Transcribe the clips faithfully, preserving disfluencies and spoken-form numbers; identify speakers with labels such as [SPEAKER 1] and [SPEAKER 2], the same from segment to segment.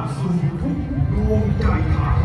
[SPEAKER 1] สู่ทุกดวงใจไทย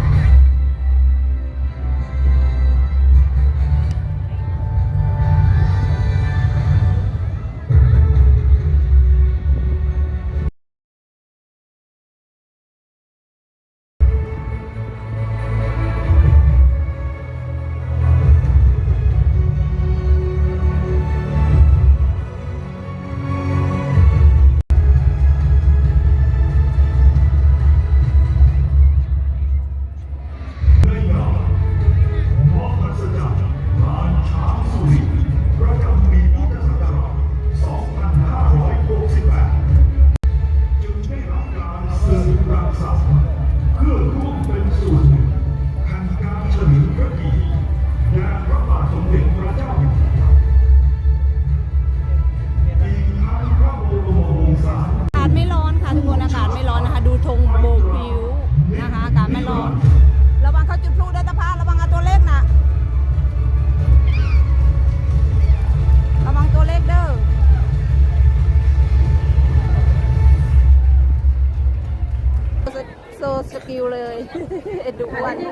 [SPEAKER 2] โซสกิลเลย เอ็ดดูวันนี่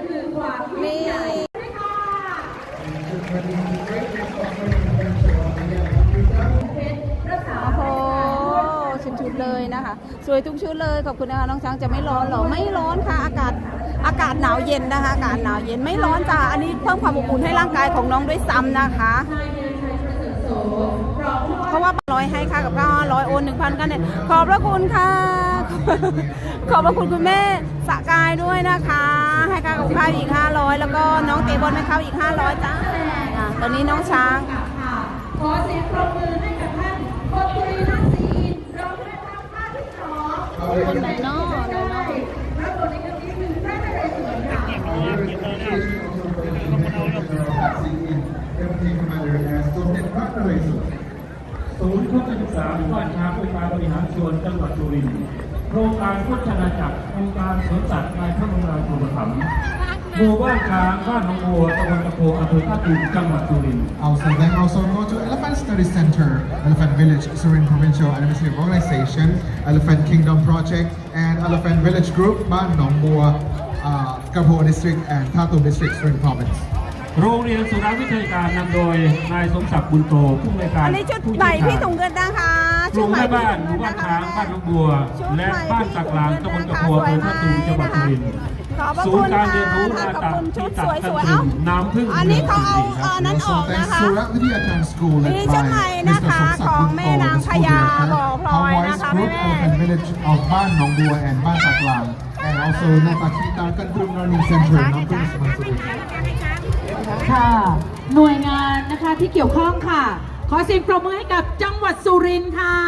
[SPEAKER 2] โอ้โหชุดๆเลยนะคะสวยทุกชุดเลยขอบคุณนะคะน้องช้างจะไม่ร้อนหรอไม่ร้อนค่ะอากาศอากาศหนาวเย็นนะคะอากาศหนาวเย็นไม่ร้อนจ้ะอันนี้เพิ่มความอบอุ่นให้ร่างกายของน้องด้วยซ้ำนะคะเพราะว่าร้อยให้ค่ากับข้าวร้อยโอนหนึ่งพันกันเนี่ยขอบพระคุณค่ะขอบพระคุณคุณแม่สกายด้วยนะคะให้ค่ากับข้าวอีกห้าร้อยแล้วก็น้องเตะบอลให้เขาอีกห้าร้อยจ้าตอนนี้น้องช้าง
[SPEAKER 3] ขอเสียงปรบมือให้กับท่านพลตรีนักศรีเราได้ทำภาคที่สอง
[SPEAKER 2] คนไหนนอกไหนนอก
[SPEAKER 3] และบทในครั้งนี้คือพระนเรศวรค่ะ
[SPEAKER 4] ศูนย์พุทธศึกษาหมู่บ้านช้างองค์การบริหารส่วนจังหวัดสุรินทร์โครงการพุทธนาจักรองค์การสวนสัตว์ในพระบรมราชูปถัมภ์หมู่บ้านช้างบ้านหนองบัวตำบลตะโพอำเภอท่าตูมจังหวัดสุรินทร์
[SPEAKER 5] Also, then also go to Elephant Study Center, Elephant Village, Surin Provincial Administrative Organization, Elephant Kingdom Project, and Elephant Village Group, Ban Nong Bua, uh, Kapo District, and Tatum District, Surin Province.
[SPEAKER 4] โรงเรียนสุราวิทยาการนำโดยนายสมศักดิ์บุญโตผู้อำนวยการ
[SPEAKER 2] อันนี้ชุดใหม่พี่ถุงเงินนะคะ
[SPEAKER 4] ชุดใหม่บ้านหมู่บ้านช้างบ้านหนองบัวและบ้านสักลางตำบลตะโพอำเภอท่าตูมจังหวัดสุรินทร์ศูนย์การเรียนรู้นาตักที่ตักกันตรึมน้ำพึ่ง
[SPEAKER 2] อันนี้เขาเอาเออนั้นออก
[SPEAKER 5] Also,
[SPEAKER 2] นะ
[SPEAKER 5] thanks
[SPEAKER 2] คะ
[SPEAKER 5] Surat Vidyakan School
[SPEAKER 2] มี
[SPEAKER 5] led
[SPEAKER 2] ชุดใหม่
[SPEAKER 5] by
[SPEAKER 2] นะ
[SPEAKER 5] Mister
[SPEAKER 2] คะ
[SPEAKER 5] Somsak
[SPEAKER 2] ของแม่
[SPEAKER 5] Bunto,
[SPEAKER 2] นาง
[SPEAKER 5] the
[SPEAKER 2] พ
[SPEAKER 5] school
[SPEAKER 2] ญา
[SPEAKER 5] director,
[SPEAKER 2] บ่อพลอยนะ
[SPEAKER 5] Hawaii's
[SPEAKER 2] คะ
[SPEAKER 5] Group
[SPEAKER 2] แม่
[SPEAKER 5] Elephant Village of Ban Nong Bua and Ban Saklang, and also Natakita Kantrum Learning Center, Nampung Surin.
[SPEAKER 3] ค่ะหน่วยงานนะคะที่เกี่ยวข้องค่ะขอเสียงปรบมือให้กับจังหวัดสุรินทร์ค่ะ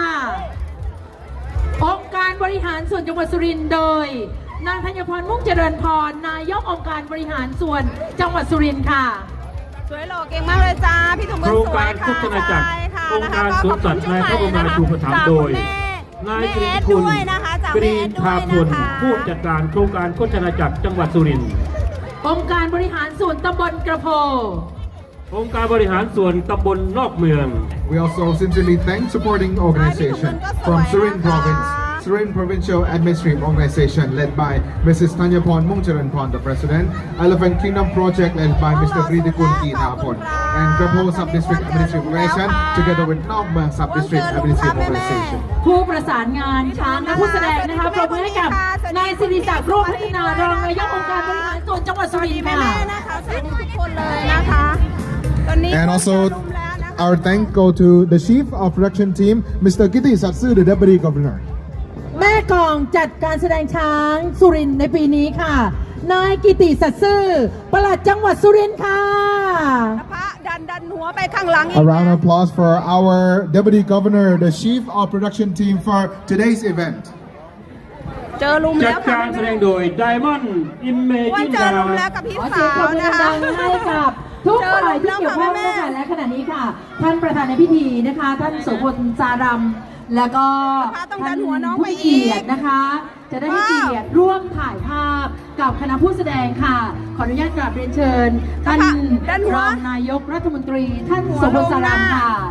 [SPEAKER 3] องค์การบริหารส่วนจังหวัดสุรินทร์โดยนางธัญพรมุ่งเจริญพรนายกองค์การบริหารส่วนจังหวัดสุรินทร์ค่ะ
[SPEAKER 2] สวยหล่อเก่งมากเลยจ้าพี่ถุงเงิน
[SPEAKER 4] โครง
[SPEAKER 2] สวย
[SPEAKER 4] การ
[SPEAKER 2] ค่ะ
[SPEAKER 4] พุทธนาจักร
[SPEAKER 2] ใช่ค่ะ
[SPEAKER 4] องค์การสวนสัตว์ในพระบรมราชูปถัมภ์โดยนายกรีนคุณกรีนทาพลผู้จัดการโครงการพุทธนาจักรจังหวัดสุรินทร์
[SPEAKER 3] องค์การบริหารส่วนตำบลกระโพ
[SPEAKER 4] องค์การบริหารส่วนตำบลนอกเมือง
[SPEAKER 5] We also sincerely thank supporting organization from Surin Province, Surin Provincial Administrative Organization led by Missus Tanyapon Mungcharanpon, the President, Elephant Kingdom Project led by Mister Kritikun Kitapon, and Kapo Sub-District Administrative Organization together with Nok Muang Sub-District Administrative Organization.
[SPEAKER 3] ผู้ประสานงานช้างและผู้แสดงนะคะปรบมือให้กับนายสิริศักดิ์โรจน์พัฒนารองนายกองค์การบริหารส่วนจังหวัดสุรินทร์
[SPEAKER 2] แม่
[SPEAKER 3] ค่ะ
[SPEAKER 2] ๆนะคะสวัสดีทุกคนเลยนะคะตอนนี้
[SPEAKER 5] And also, our thanks go to the Chief of Production Team, Mister Kitty Satsu, the Deputy Governor.
[SPEAKER 3] แม่กองจัดการแสดงช้างสุรินทร์ในปีนี้ค่ะนายกิติสัตย์ซื่อปลัดจังหวัดสุรินทร์ค่ะ
[SPEAKER 2] พระดันดันหัวไปข้างหลังอีก
[SPEAKER 5] A round of applause for our Deputy Governor, the Chief of Production Team for today's event.
[SPEAKER 2] เจอลุม
[SPEAKER 4] จั
[SPEAKER 2] แล้
[SPEAKER 4] ด
[SPEAKER 2] ว
[SPEAKER 4] การแสดงโดย Diamond
[SPEAKER 2] ว่า
[SPEAKER 4] Imagine
[SPEAKER 2] เจอลุม
[SPEAKER 4] Dance
[SPEAKER 2] แล้วกับพี่
[SPEAKER 3] ขอ
[SPEAKER 2] สา
[SPEAKER 3] เสียงปร
[SPEAKER 2] ว
[SPEAKER 3] บมือ
[SPEAKER 2] นะคะ
[SPEAKER 3] ดังๆให้กับทุกฝ่ายที่เกี่ยวข้องนะคะและขณะนี้ค่ะ ท่านประธานในพิธีนะคะ ท่านโสพลสารัมแล้วก็ท่านผู้เกียรตินะคะ จะได้ให้เกียรติร่วมถ่ายภาพกับคณะผู้แสดงค่ะ ขออนุญาตกราบเรียนเชิญท่านรองนายกรัฐมนตรีท่านโสพลสารัมค่ะ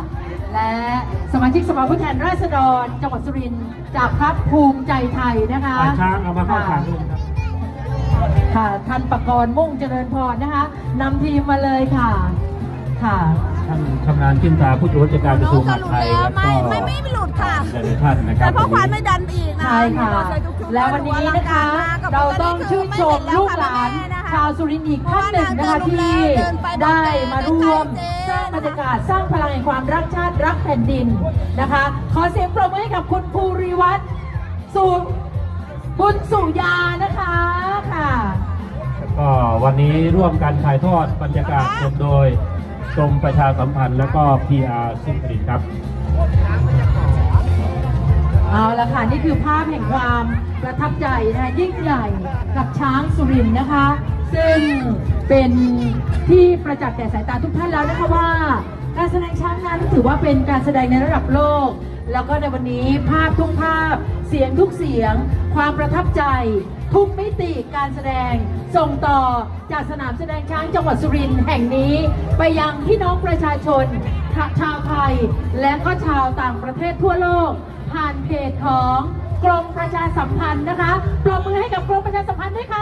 [SPEAKER 3] และสมาชิกสภาผู้แทนราษฎรจังหวัดสุรินทร์จากพรรคภูมิใจไทยนะคะ
[SPEAKER 4] ปางช้างเอามาเข้าฉากด้วยนะครับ
[SPEAKER 3] ค่ะท่านประกรณ์มุ่งเจริญพรนะคะนำทีมมาเลยค่ะค่ะ
[SPEAKER 4] ท่านชำนาญขึ้นตาผู้ตรวจการกระทรวงมหาดไทยแล้วก็
[SPEAKER 2] ไม่ไม่ไม่หลุดค่ะ
[SPEAKER 4] หลายๆท่านนะครับ
[SPEAKER 2] แต่พ่อควานไม่ดันไปอีกนะ
[SPEAKER 3] ใช่ค่ะ แล้ววันนี้นะคะเราต้องชื่นชมลูกหลานชาวสุรินทร์อีกท่านหนึ่งนะคะที่ได้มาร่วมสร้างบรรยากาศสร้างพลังแห่งความรักชาติรักแผ่นดินนะคะ ขอเสียงปรบมือให้กับคุณภูริวัฒน์สุบุญสุยานะคะค่ะ
[SPEAKER 4] ก็วันนี้ร่วมกันถ่ายทอดบรรยากาศชมโดยกรมประชาสัมพันธ์และก็ พี อาร์ สุรินทร์ครับ
[SPEAKER 3] เอาละค่ะนี่คือภาพแห่งความประทับใจนะคะยิ่งใหญ่กับช้างสุรินทร์นะคะ ซึ่งเป็นที่ประจักษ์แก่สายตาทุกท่านแล้วนะคะว่า การแสดงช้างนั้นถือว่าเป็นการแสดงในระดับโลก แล้วก็ในวันนี้ภาพทุกภาพเสียงทุกเสียง ความประทับใจทุกมิติการแสดงส่งต่อจากสนามแสดงช้างจังหวัดสุรินทร์แห่งนี้ไปยังพี่น้องประชาชนชาวไทย และก็ชาวต่างประเทศทั่วโลก ผ่านเพจของกรมประชาสัมพันธ์นะคะปรบมือให้กับกรมประชาสัมพันธ์ด้วยค่ะ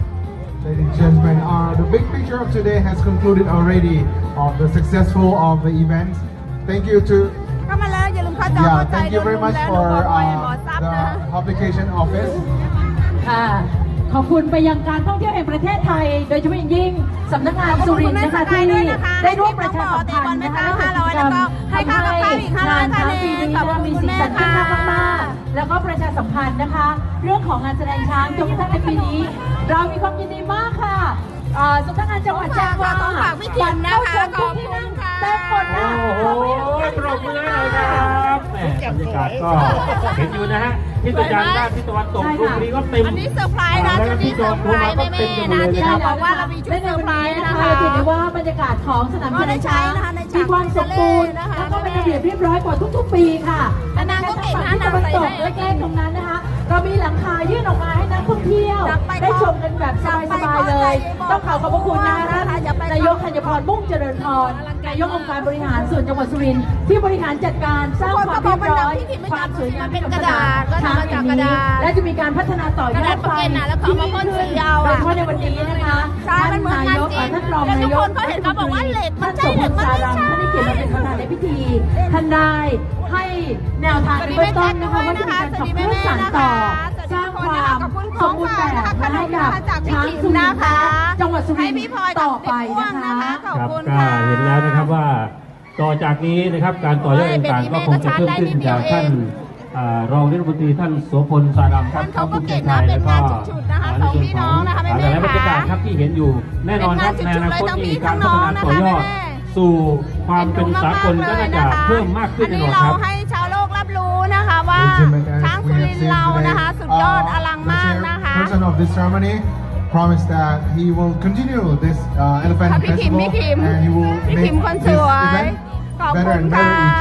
[SPEAKER 5] Ladies and gentlemen, uh, the big picture of today has concluded already of the successful of the event. Thank you to
[SPEAKER 2] เข้ามาแล้วอย่าลืมเข้าจอ
[SPEAKER 5] yeah,
[SPEAKER 2] เข้าใจ
[SPEAKER 5] thank you very much
[SPEAKER 2] แล้ว
[SPEAKER 5] for
[SPEAKER 2] บอยบอ
[SPEAKER 5] uh,
[SPEAKER 2] ซับ
[SPEAKER 5] the
[SPEAKER 2] นะ
[SPEAKER 5] publication office.
[SPEAKER 3] ค่ะ ขอบคุณไปยังการท่องเที่ยวแห่งประเทศไทย โดยเฉพาะอย่างยิ่งสำนักงานสุรินทร์นะคะที่ได้ร่วมประชาสัมพันธ์นะคะในกิจกรรมทำให้งานช้างปีนี้นะคะมีสีสันที่น่ารักมากๆแล้วก็ประชาสัมพันธ์นะคะ เรื่องของงานแสดงช้างจนกระทั่งในปีนี้ เรามีความยินดีมากค่ะอ่าสำนักงานจังหวัดแจ้งว่า
[SPEAKER 2] ต้องฝากพี่ทิมนะคะ
[SPEAKER 3] บัตรเข้าชมทุกที่นั่ง
[SPEAKER 2] ขอบคุณค่ะ
[SPEAKER 3] เต็มหมดนะ
[SPEAKER 4] โอ้โหปรบมือให้หน่อยครับแหมบรรยากาศก็เห็นอยู่นะฮะที่ตะวันด้านที่ตะวันตกลูกนี้ก็เต็ม
[SPEAKER 2] อันนี้เซอร์ไพรส์นะชุดนี้เซอร์ไพรส์แม่ๆนะที่เราบอกว่าเรามีชุดเซอร์ไพรส์นะคะ
[SPEAKER 3] ถือได้ว่าบรรยากาศของสนามแสดงช้างมีความสมบูรณ์แล้วก็เป็นระเบียบเรียบร้อยกว่าทุกๆปีค่ะ
[SPEAKER 2] แต่นางก็เก่งนะ
[SPEAKER 3] ที่ตะวันตกใกล้ๆตรงนั้นนะคะ เรามีหลังคายื่นออกมาให้นักท่องเที่ยว ได้ชมกันแบบสบายๆเลย ต้องขอขอบพระคุณนะคะนายกธัญพรมุ่งเจริญพรนายกองค์การบริหารส่วนจังหวัดสุรินทร์ที่บริหารจัดการสร้างความเรียบร้อยความสวยงามให้กับสนามช้างแห่งนี้และจะมีการพัฒนาต่อยอดไปที่ยิ่งขึ้นโดยเฉพาะในวันนี้นะคะท่านนายกท่านรองนายกท่านสมพลสารัมท่านได้เกียรติมาเป็นประธานในพิธีท่านได้ให้แนวทางในเบื้องต้นนะคะว่าจะมีการขับเคลื่อนสานต่อสร้างความสมบูรณ์แบบให้กับช้างสุรินทร์นะคะจังหวัดสุรินทร์ต่อไปนะคะ
[SPEAKER 4] ครับก็เห็นแล้วนะครับว่าต่อจากนี้นะครับการต่อยอดต่างๆก็คงจะเพิ่มขึ้นจากท่านอ่ารองรัฐมนตรีท่านโสพลสารัมครับท่านภูมิใจไทยแล้วก็ในส่วนของหลายๆบรรยากาศครับที่เห็นอยู่แน่นอนครับในอนาคตมีการพัฒนาต่อยอดสู่ความเป็นสากลก็น่าจะเพิ่มมากขึ้นแน่นอนครับ
[SPEAKER 2] ให้ชาวโลกรับรู้นะคะว่า
[SPEAKER 5] Gentlemen,
[SPEAKER 2] ช้าง
[SPEAKER 5] as
[SPEAKER 2] สุ
[SPEAKER 5] we
[SPEAKER 2] ริ
[SPEAKER 5] have
[SPEAKER 2] นท
[SPEAKER 5] seen
[SPEAKER 2] ร์เรา
[SPEAKER 5] today,
[SPEAKER 2] นะคะ สุดยอดอลัง
[SPEAKER 5] uh,
[SPEAKER 2] มาก
[SPEAKER 5] the
[SPEAKER 2] นะคะ
[SPEAKER 5] chairperson of this ceremony promised that he will continue this uh, elephant
[SPEAKER 2] พี่พิม
[SPEAKER 5] festival
[SPEAKER 2] พี่พิม
[SPEAKER 5] and he will
[SPEAKER 2] พี่พิ
[SPEAKER 5] make
[SPEAKER 2] มคนส
[SPEAKER 5] this
[SPEAKER 2] วย
[SPEAKER 5] event
[SPEAKER 2] ขอบ
[SPEAKER 5] better
[SPEAKER 2] คุณ
[SPEAKER 5] and
[SPEAKER 2] ค่ะ
[SPEAKER 5] better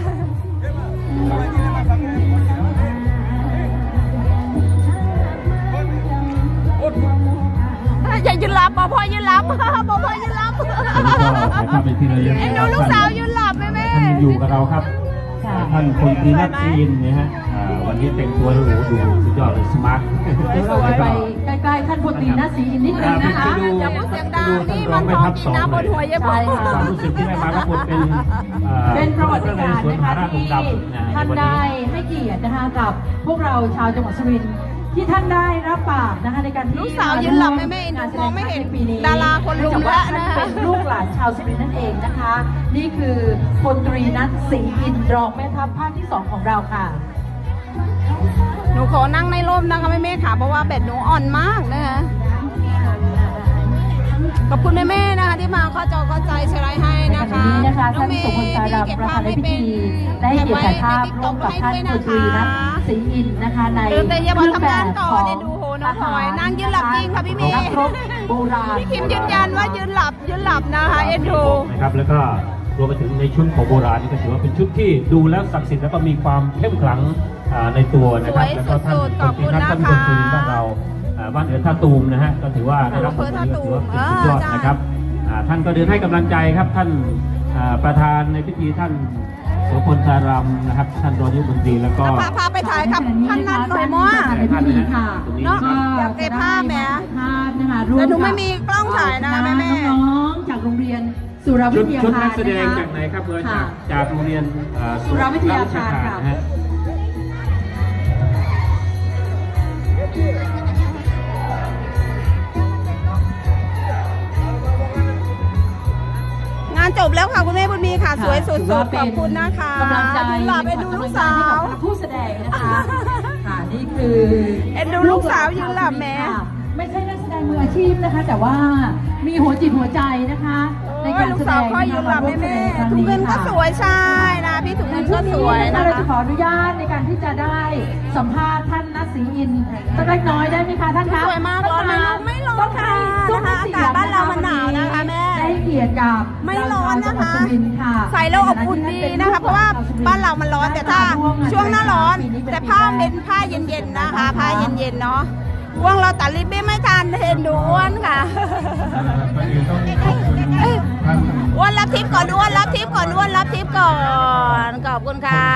[SPEAKER 5] each year.
[SPEAKER 2] อย่ายืนหลับปอพอยืนหลับปอพอยืนหลับ
[SPEAKER 4] แล้วก็ถ่ายภาพเป็นที่ระลึก
[SPEAKER 2] เอ็น
[SPEAKER 4] นะ
[SPEAKER 2] ดู
[SPEAKER 4] ครับ
[SPEAKER 2] ลูกสาวยืนหลับแม่แม่
[SPEAKER 4] ท่านยังอยู่กับเราครับท่านพลตรีนัทจีนนะฮะอ่าวันนี้แต่งตัวโอ้โหดูสุดยอดเลยสมาร์ท
[SPEAKER 3] เดี๋ยวเราจะไปใกล้ๆท่านพลตรีนาศรีอินนิดนึงนะคะ
[SPEAKER 2] อย่าพูดเสียงดังนี่มันมองกินน้ำบนหัวเยอะ
[SPEAKER 3] ใช่ค่ะ
[SPEAKER 4] ความรู้สึกที่ได้มารับบทเป็นอ่า
[SPEAKER 3] เป็นประวัติการ
[SPEAKER 4] สวน
[SPEAKER 3] นะ
[SPEAKER 4] มหา
[SPEAKER 3] คะ
[SPEAKER 4] ราชอง
[SPEAKER 3] ที่
[SPEAKER 4] ค์ดำนะใน
[SPEAKER 3] ท่าน
[SPEAKER 4] วัน
[SPEAKER 3] ได้
[SPEAKER 4] นี้
[SPEAKER 3] ให้เกียรตินะคะกับพวกเราชาวจังหวัดสุรินทร์ที่ท่านได้รับปากนะคะในการที่
[SPEAKER 2] ลูกสาวยืนหลับแม่แม่เอ็นดูมองไม่เห็นดาราคนลุมละนะ
[SPEAKER 3] เป็นลูกหลานชาวสุรินทร์นั่นเองนะคะ นี่คือพลตรีนัทศรีอินทร์รองแม่ทัพภาคที่สองของเราค่ะ
[SPEAKER 2] หนูขอนั่งในร่มนะคะแม่แม่ค่ะเพราะว่าแบตหนูอ่อนมากนะคะขอบคุณแม่แม่นะคะที่มาเข้าจอเข้าใจแชร์ไลน์ให้
[SPEAKER 3] ใน
[SPEAKER 2] นะ
[SPEAKER 3] วัน
[SPEAKER 2] คะ
[SPEAKER 3] นี้นะคะท่านโสพลสารัมประธานในพิธีได้ให้เกียรติถ่ายภาพร่วมกับท่านพลตรีนัทศรีอินทร์นะคะใน
[SPEAKER 2] เดินแต่อย่า
[SPEAKER 3] เค
[SPEAKER 2] มา
[SPEAKER 3] รื่อง
[SPEAKER 2] ทำ
[SPEAKER 3] แบ
[SPEAKER 2] งาน
[SPEAKER 3] บ
[SPEAKER 2] ต่อ
[SPEAKER 3] ของ
[SPEAKER 2] เนี่ยดูโหน้องพลอยนั่งยืนหลับจริงค่ะพี่เมย์
[SPEAKER 3] นักรบโบราณ
[SPEAKER 2] พี่คิมยืนยันว่ายืนหลับยืนหลับนะคะเอ็นดู
[SPEAKER 4] นะครับแล้วก็รวมไปถึงในชุดของโบราณนี่ก็ถือว่าเป็นชุดที่ดูแล้วศักดิ์สิทธิ์แล้วก็มีความเข้มขลังอ่าในตัวนะครับแล้วก็ท่านพลตรีนัทท่านคนสุรินทร์บ้านเราอ่าบ้านเอือท่าตูมนะฮะก็ถือว่าได้รับบทบาทนี้ก็ถือว่าเป็นสุดยอดนะครับอ่าท่านก็เดินให้กำลังใจครับท่านอ่าประธานในพิธีท่านโสพลตารำนะครับท่านรองนายกรัฐมนตรีแล้วก็
[SPEAKER 2] พาพาไปถ่ายกับท่านนัดหน่อยมั้ง
[SPEAKER 3] ในพิธีค่ะ
[SPEAKER 2] เนาะ
[SPEAKER 3] ก็
[SPEAKER 2] อยากเก็บภาพแหม
[SPEAKER 3] ภาพนะคะร่วม
[SPEAKER 2] แต่หนูไม่มีกล้องถ่ายนะแม่แม่
[SPEAKER 3] น้องๆจากโรงเรียนสุรวิ
[SPEAKER 4] ชุด
[SPEAKER 3] ทยา
[SPEAKER 4] ชุด
[SPEAKER 3] คา
[SPEAKER 4] นั
[SPEAKER 3] ร
[SPEAKER 4] กแสดง
[SPEAKER 3] นะคะ
[SPEAKER 4] จากไหนครับเพื่อน
[SPEAKER 3] ค่ะ
[SPEAKER 4] จากจากโรงเรียนเอ่อ
[SPEAKER 3] สุรวิทยาคารค่ะ
[SPEAKER 4] นะฮะ
[SPEAKER 2] งานจบแล้วค่ะคุณแม่บุญมีค่ะ สวยสุ
[SPEAKER 3] ถือว่า
[SPEAKER 2] ดๆ
[SPEAKER 3] เป็
[SPEAKER 2] ขอบคุณนะคะ
[SPEAKER 3] กำลังใจ
[SPEAKER 2] หลับไปดูลูกสาว
[SPEAKER 3] ให้กับผู้แสดงนะคะ ค่ะนี่คือ
[SPEAKER 2] เอ็นดูลูกสาวยืนหลับแหม
[SPEAKER 3] ค่ะไม่ใช่นักแสดงมืออาชีพนะคะ แต่ว่ามีหัวจิตหัวใจนะคะ ในการ
[SPEAKER 2] ลูก
[SPEAKER 3] แสด
[SPEAKER 2] สาว
[SPEAKER 3] ง
[SPEAKER 2] คอยยืนหลับ
[SPEAKER 3] มาร่ว
[SPEAKER 2] แม่
[SPEAKER 3] มแสดงครั้ง
[SPEAKER 2] ถุง
[SPEAKER 3] นี้
[SPEAKER 2] เงินก็
[SPEAKER 3] ค่ะ
[SPEAKER 2] สวยใช่นะพี่ถุง
[SPEAKER 3] ใน
[SPEAKER 2] เงิน
[SPEAKER 3] ช่
[SPEAKER 2] ก็
[SPEAKER 3] วง
[SPEAKER 2] ส
[SPEAKER 3] นี้
[SPEAKER 2] วย
[SPEAKER 3] นะ
[SPEAKER 2] นะคะ
[SPEAKER 3] เราจะขออนุญาตในการที่จะได้สัมภาษณ์ท่านนัทศรีอินทร์สักเล็กน้อยได้ไหมคะท่านคะ
[SPEAKER 2] สวยมากร้อนไหมลูกไม่ร้อนค่ะ
[SPEAKER 3] ต้อง
[SPEAKER 2] นะคะ
[SPEAKER 3] ให้
[SPEAKER 2] อากาศบ้านเรามันหนาวนะคะแม่
[SPEAKER 3] ได้เกียรติกับ
[SPEAKER 2] ไม่ร้อนนะคะ
[SPEAKER 3] ชาวจังหวัดสุรินทร์ค่ะ
[SPEAKER 2] ใส่แล้วอบอุ่นดีนะคะ เพราะว่าบ้านเรามันร้อนแต่ถ้าช่วงหน้าร้อน แต่ผ้าเป็นผ้าเย็นๆนะคะผ้าเย็นๆเนาะอ้วงเราตัดริบบิ้นไม่ทันเห็นดูอ้วนค่ะ
[SPEAKER 4] ก่อนอื่นต้องขอบคุณท่าน
[SPEAKER 2] อ้วนรับทิปก่อนอ้วนรับทิปก่อนอ้วนรับทิปก่อนขอบคุณครับ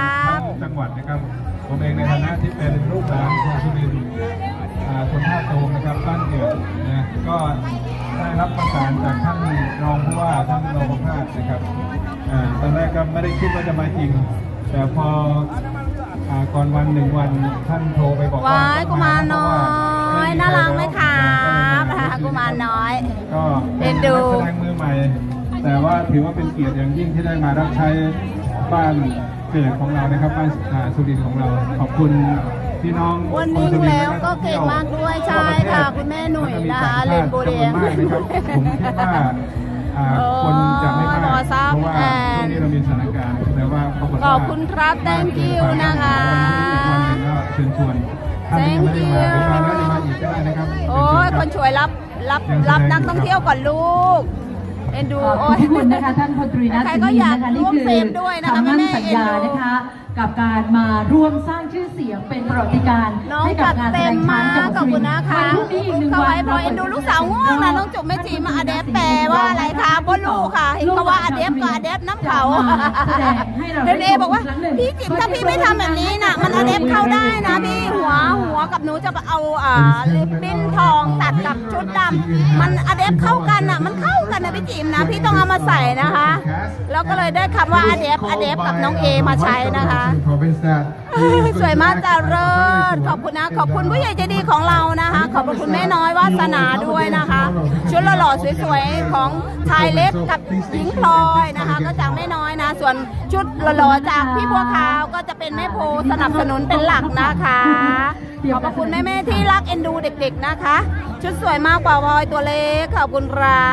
[SPEAKER 4] จังหวัดนะครับผมเองในฐานะที่เป็นลูกหลานคนสุรินทร์อ่าคนท่าตูมนะครับบ้านเกิดนะก็ได้รับประสานจากท่านรองผู้ว่าท่านรองประภาสนะครับอ่าตอนแรกก็ไม่ได้คิดว่าจะมาจริง แต่พออ่าก่อนวันหนึ่งวันท่านโทรไปบอกว่า
[SPEAKER 2] ว้ายกุมารน้อยน่ารักไหมครับกุมารน้อย
[SPEAKER 4] ก็
[SPEAKER 2] เอ็
[SPEAKER 4] เป็น
[SPEAKER 2] นดู
[SPEAKER 4] นักแสดงมือใหม่ แต่ว่าถือว่าเป็นเกียรติอย่างยิ่งที่ได้มารับใช้บ้านเกิดของเรานะครับบ้านอ่าสุรินทร์ของเราขอบคุณพี่น้อง
[SPEAKER 2] วันนี้
[SPEAKER 4] คสุรินทร์
[SPEAKER 2] แล้วก็เก่งมากด้วยใช่ค่ะคุณแม่หนุ่ยนะคะเล่นโบแดง
[SPEAKER 4] จำนวนมากนะครับผมคิดว่าอ่าคนจะไม่มาก
[SPEAKER 2] รอซับ
[SPEAKER 4] เพราะว่า
[SPEAKER 2] แอน
[SPEAKER 4] ช่วงนี้เรามีสถานการณ์แต่ว่าปรากฏว่า
[SPEAKER 2] ขอบคุณครับ thank you นะคะ
[SPEAKER 4] วันนี้อีกวันหนึ่งก็เชิญชวนท่านที่ยังไม่ได้มาหรือมาแล้วจะมาอีกก็ได้นะครับ
[SPEAKER 2] โอ้ยคนช่วยรับรับรับนักท่องเที่ยวก่อนลูกเอ็นดู
[SPEAKER 3] ขอบ
[SPEAKER 2] โอ้ย
[SPEAKER 3] คุณนะคะท่านพลตรีนัท
[SPEAKER 2] ใคร
[SPEAKER 3] ศรี
[SPEAKER 2] ก็
[SPEAKER 3] อิ
[SPEAKER 2] อน ยาก
[SPEAKER 3] ทร์นะคะนี่
[SPEAKER 2] ร่วม
[SPEAKER 3] คือ
[SPEAKER 2] เฟรมด้วยนะคะ
[SPEAKER 3] คำมั่น
[SPEAKER 2] แม่ๆ
[SPEAKER 3] สัญญา
[SPEAKER 2] เอ็นดู
[SPEAKER 3] นะคะ กับการมาร่วมสร้างชื่อเสียงเป็นประวัติการณ์
[SPEAKER 2] น้อง
[SPEAKER 3] ให้กับงานแส
[SPEAKER 2] จัดเต็
[SPEAKER 3] ด
[SPEAKER 2] ม
[SPEAKER 3] งช้างจังหวัด
[SPEAKER 2] มากขอบ
[SPEAKER 3] สุ
[SPEAKER 2] คุ
[SPEAKER 3] ริ
[SPEAKER 2] ณ
[SPEAKER 3] นทร์
[SPEAKER 2] นะคะ
[SPEAKER 3] วันพรุ่งนี้อีกหนึ่ง
[SPEAKER 2] เข้า
[SPEAKER 3] วั
[SPEAKER 2] ไว้
[SPEAKER 3] น
[SPEAKER 2] พอเอ็นดูลูกสาวง่วงนะน้องจุ๋มแม่จีมาอเดฟแปลว่าอะไรคะบ่ลูกค่ะเห็นเขาว่าอเดฟกับอเดฟน้ำเขา
[SPEAKER 3] แสดงให้เรา
[SPEAKER 2] เดนเอบอกว่าพี่จิ๋มถ้าพี่ไม่ทำแบบนี้น่ะมันอเดฟเข้าได้นะพี่หัวหัวกับหนูจะเอาอ่าลิปบิ้นทองตัดกับชุดดำมันอเดฟเข้ากันน่ะมันเข้ากันนะพี่จิ๋มนะพี่ต้องเอามาใส่นะคะ แล้วก็เลยได้คำว่าอเดฟอเดฟกับน้องเอมาใช้นะคะ สวยมากจ้าเลิศขอบคุณนะ ขอบคุณผู้ใหญ่ใจดีของเรานะคะ ขอบคุณแม่น้อยวาสนาด้วยนะคะ ชุดหล่อๆสวยๆของชายเล็กกับหญิงพลอยนะคะ ก็จากแม่น้อยนะ ส่วนชุดหล่อๆจากพี่บัวขาวก็จะเป็นแม่โพสนับสนุนเป็นหลักนะคะ ขอบคุณแม่ๆที่รักเอ็นดูเด็กๆนะคะ ชุดสวยมากกว่าพลอยตัวเล็กขอบคุณครับ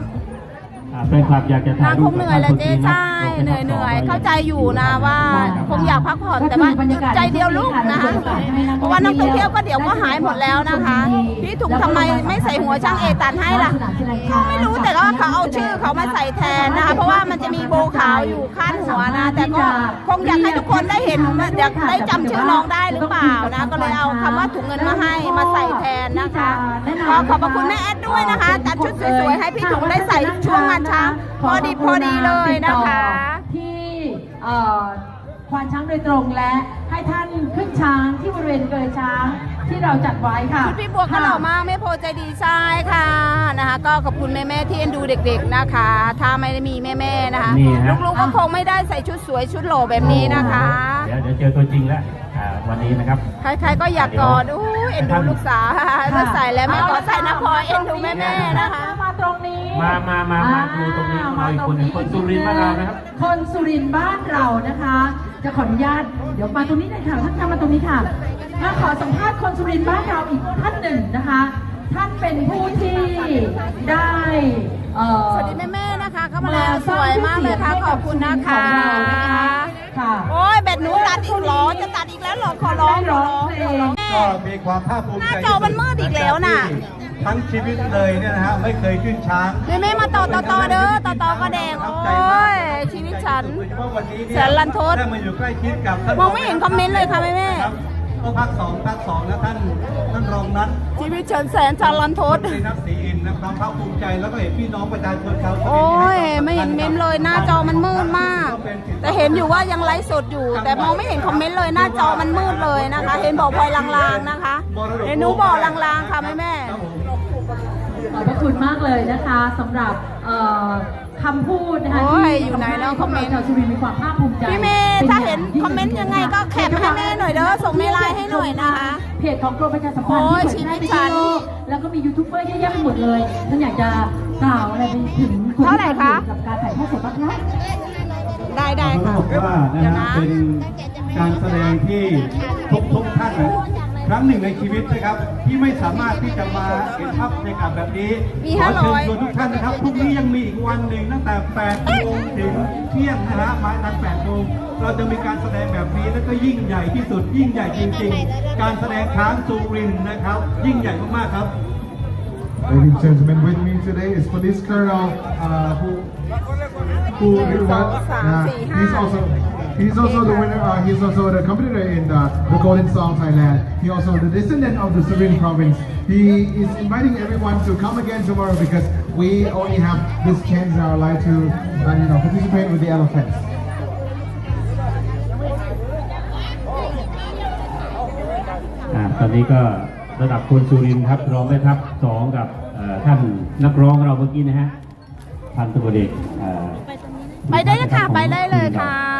[SPEAKER 4] อ่าแฟนคลับอยากจะถ่าย
[SPEAKER 2] นาง
[SPEAKER 4] รู
[SPEAKER 2] ค
[SPEAKER 4] ป
[SPEAKER 2] งเหนื่อยแหละเจ๊ใช่เหนื่อยเหนื่อยเข้าใจอยู่นะว่าคงอยากพักผ่อนแต่ว่าใจเดียวลูกนะคะเพราะว่านักท่องเที่ยวก็เดี๋ยวก็หายหมดแล้วนะคะ พี่ถุงทำไมไม่ใส่หัวช่างเอตันให้ล่ะไม่รู้แต่ว่าเขาเอาชื่อเขามาใส่แทนนะคะ เพราะว่ามันจะมีโบขาวอยู่ข้างหัวนะ แต่ก็คงอยากให้ทุกคนได้เห็นอยากได้จำชื่อน้องได้หรือเปล่านะ ก็เลยเอาคำว่าถุงเงินมาให้มาใส่แทนนะคะก็ขอบพระคุณแม่แอดด้วยนะคะจัดชุดสวยๆให้พี่ถุงได้ใส่ช่วงงานช้างพอดีพอดีเลยนะคะ
[SPEAKER 3] ที่เอ่อควานช้างโดยตรงและให้ท่านขึ้นช้างที่บริเวณเกยช้างที่เราจัดไว้ค่ะ
[SPEAKER 2] ชุดพี่บัวก็หล่อมากแม่โพใจดีใช่ค่ะนะคะ ก็ขอบคุณแม่ๆที่เอ็นดูเด็กๆนะคะ ถ้าไม่ได้มีแม่ๆนะคะ
[SPEAKER 4] นี่ฮะ
[SPEAKER 2] ลูกๆก็คงไม่ได้ใส่ชุดสวยชุดหล่อแบบนี้นะคะ
[SPEAKER 4] เดี๋ยวเดี๋ยวเจอตัวจริงแล้วอ่าวันนี้นะครับ
[SPEAKER 2] ใครๆก็อยากกอดอู้เอ็นดูลูกสาวถ้าใส่แล้วแม่ขอใส่นะพลอยเอ็นดูแม่ๆนะคะ
[SPEAKER 3] มาตรงนี้
[SPEAKER 4] มามามามาดูตรงนี้มาอีกคนหนึ่งคนสุรินทร์บ้านเรานะครับ
[SPEAKER 3] คนสุรินทร์บ้านเรานะคะ จะขออนุญาตเดี๋ยวมาตรงนี้หน่อยค่ะท่านคะมาตรงนี้ค่ะมาขอสัมภาษณ์คนสุรินทร์บ้านเราอีกท่านหนึ่งนะคะ ท่านเป็นผู้ที่ได้เอ่อ
[SPEAKER 2] สวัสดีแม่ๆนะคะเข้ามาแล้วสวยมากเลยค่ะขอบคุณนะคะ
[SPEAKER 3] ค่ะ
[SPEAKER 2] โอ้ยแบตหนูตัดอีกเหรอจะตัดอีกแล้วเหรอขอร้องขอร้องขอร้องแม่
[SPEAKER 1] ก็มีความภาคภูมิใจ
[SPEAKER 2] หน้าจอมันมืดอีกแล้วน่ะ
[SPEAKER 1] ทั้งชีวิตเลยเนี่ยนะฮะไม่เคยขึ้นช้าง
[SPEAKER 2] แม่แม่มาต่อต่อต่อเด้อต่อต่อก็แดงโอ้ยชีวิตฉัน
[SPEAKER 1] โดยเฉพาะวันนี้เนี่ย
[SPEAKER 2] แสนรันทด
[SPEAKER 1] ได้มาอยู่ใกล้ชิดกับท่าน
[SPEAKER 2] มองไม่เห็นคอมเมนต์เลยค่ะแม่แม่
[SPEAKER 1] รับก็ภาคสองภาคสองนะท่านท่านรองนัท
[SPEAKER 2] ชีวิตเฉินแสนจารันทด
[SPEAKER 1] ในนักศรีอินทร์นะความภาคภูมิใจแล้วก็เห็นพี่น้องประชาชนชาวสุรินทร์
[SPEAKER 2] โอ้ยไม่เห็นเมมเลยหน้าจอมันมืดมาก แต่เห็นอยู่ว่ายังไลฟ์สดอยู่ แต่มองไม่เห็นคอมเมนต์เลยหน้าจอมันมืดเลยนะคะ เห็นบอกพลอยลางๆนะคะเห็นหนูบอกลางๆค่ะแม่แม่
[SPEAKER 1] ครับผม
[SPEAKER 3] ขอบพระคุณมากเลยนะคะสำหรับเอ่อคำพูดนะคะ
[SPEAKER 2] โอ้ย
[SPEAKER 3] ที่
[SPEAKER 2] อยู่ไหนแล้วคอมเมนต์
[SPEAKER 3] ชาวสุรินทร์มีความภาคภูมิใจ
[SPEAKER 2] พี่เมย์ถ้าเห็นคอมเมนต์ยังไงก็แคปให้แม่หน่อยเด้อส่งในไลน์ให้หน่อยนะคะ
[SPEAKER 3] เพจของกรมประชาสัมพันธ์
[SPEAKER 2] โอ้ย
[SPEAKER 3] ที่เผยแพร่ไป
[SPEAKER 2] ชีวิตฉั
[SPEAKER 3] ทั่วน โลกแล้วก็มียูทูบเบอร์เยอะแยะไปหมดเลยท่านอยากจะกล่าวอะไรไปถึงคน
[SPEAKER 2] เท่า
[SPEAKER 3] ที่
[SPEAKER 2] ไหร่
[SPEAKER 3] ทำอ
[SPEAKER 2] คะ
[SPEAKER 3] ยู่กับการถ่ายทอดสดบ้างคะ
[SPEAKER 2] ได้ได้
[SPEAKER 1] เขา
[SPEAKER 2] ค่ะ
[SPEAKER 1] บอกว่านะ
[SPEAKER 2] เดี๋ยว
[SPEAKER 1] ฮะ
[SPEAKER 2] นะ
[SPEAKER 1] เป็นการแสดงที่ทุกทุกท่านนะครั้งหนึ่งในชีวิตนะครับที่ไม่สามารถที่จะมาเห็นภาพบรรยากาศแบบนี้
[SPEAKER 2] มี
[SPEAKER 1] ขอเชิญ
[SPEAKER 2] ห้าร้อย
[SPEAKER 1] ชวนทุกท่านนะครับพรุ่งนี้ยังมีอีกวันหนึ่งตั้งแต่แปดโมงถึงเที่ยงนะฮะมาทันแปดโมงเราจะมีการแสดงแบบนี้แล้วก็ยิ่งใหญ่ที่สุดยิ่งใหญ่จริงๆ การแสดงช้างสุรินทร์นะครับ ยิ่งใหญ่มากๆครับ
[SPEAKER 5] Ladies and gentlemen, with me today is Police Colonel uh, who who did what? Uh, he's also he's also the winner. Uh, he's also the competitor in the, the Golden Song Thailand. He also the descendant of the Surin province. He is inviting everyone to come again tomorrow because we only have this chance in our life to uh, you know participate with the elephants.
[SPEAKER 4] อ่าตอนนี้ก็ระดับคนสุรินทร์ครับรองแม่ทัพสองกับเอ่อท่านนักร้องเราเมื่อกี้นะฮะพันตำรวจเอกเอ่อ
[SPEAKER 2] ไปได้เลยค่ะ ไปได้เลยค่ะ